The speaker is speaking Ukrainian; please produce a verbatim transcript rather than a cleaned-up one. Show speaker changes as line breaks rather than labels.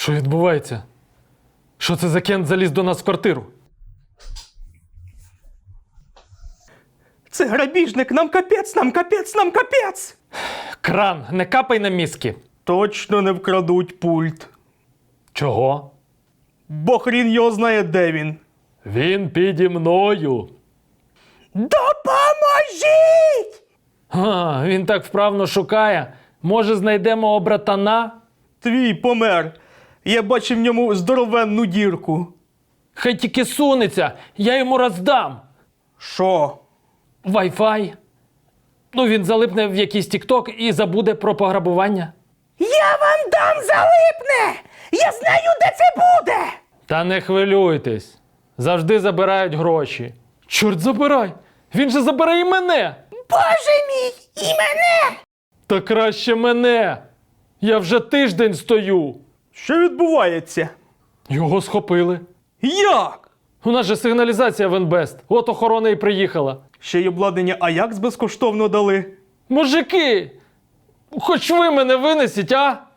Що відбувається? Що це за кент заліз до нас в квартиру?
Це грабіжник, нам капець, нам капець, нам капець!
Кран, не капай на мізки.
Точно не вкрадуть пульт.
Чого?
Бо хрін його знає, де він.
Він піді мною.
Допоможіть!
А, він так вправно шукає. Може, знайдемо братана?
Твій помер. Я бачив в ньому здоровенну дірку.
Хай тільки сунеться, я йому роздам.
Що?
Вай-фай. Ну, він залипне в якийсь тік-ток і забуде про пограбування.
Я вам дам залипне! Я знаю, де це буде!
Та не хвилюйтесь. Завжди забирають гроші. Чорт забирай! Він же забере і мене!
Боже мій! І мене!
Та краще мене! Я вже тиждень стою.
Що відбувається?
Його схопили.
Як?
У нас же сигналізація в Інбест. От охорона і приїхала.
Ще й обладнання Аякс безкоштовно дали.
Мужики! Хоч ви мене винесіть, а?